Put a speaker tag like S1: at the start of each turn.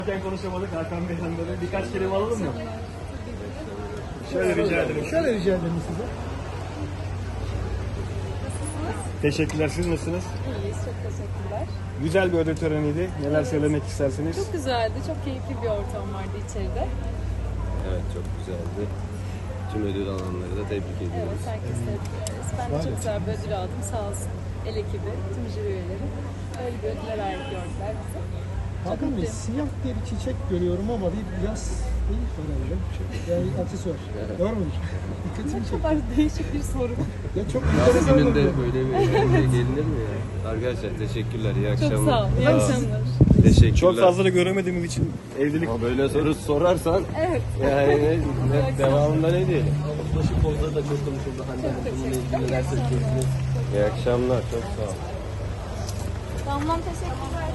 S1: Konuşamadık Hakan Bey'den böyle birkaç kelime alalım mı? Şöyle rica ederim.
S2: Şöyle rica ederim size.
S1: Teşekkürler. Siz nasılsınız?
S3: İyiyiz, çok teşekkürler.
S1: Güzel bir ödül töreniydi. Neler söylemek istersiniz?
S3: Çok güzeldi, çok keyifli bir ortam vardı içeride.
S4: Evet, çok güzeldi. Tüm ödül alanları da tebrik
S3: Evet,
S4: ediyoruz.
S3: herkes tebrik ederiz. Ben de çok güzel bir ödül aldım, sağ olsun. El ekibi, tüm jüri üyeleri. Öyle bir ödüle layık gördüler bizi.
S2: Hakan Bey,
S3: mutluyum.
S2: siyah diye bir çiçek görüyorum ama bir yaz değil herhalde. Yani aksesuar. Doğru mudur? Dikkatimi
S3: Ne
S2: çekti.
S3: kadar değişik bir soru.
S2: Ya çok
S4: Yaz
S2: enteresan
S4: gününde
S2: oldu.
S4: böyle bir eğlence gelinir mi ya? Arkadaşlar teşekkürler, iyi akşamlar.
S3: Çok sağ ol, iyi akşamlar.
S4: Teşekkürler.
S1: Çok fazla da göremediğimiz için evlilik...
S4: Ama böyle soru sorarsan
S3: Evet.
S4: yani devamında ne diyelim?
S5: Başı pozları da çok konuşuldu. Hande Hanım bununla ilgili neler söyleyeceksiniz?
S4: İyi akşamlar, çok sağ ol.
S3: Tamam, teşekkürler.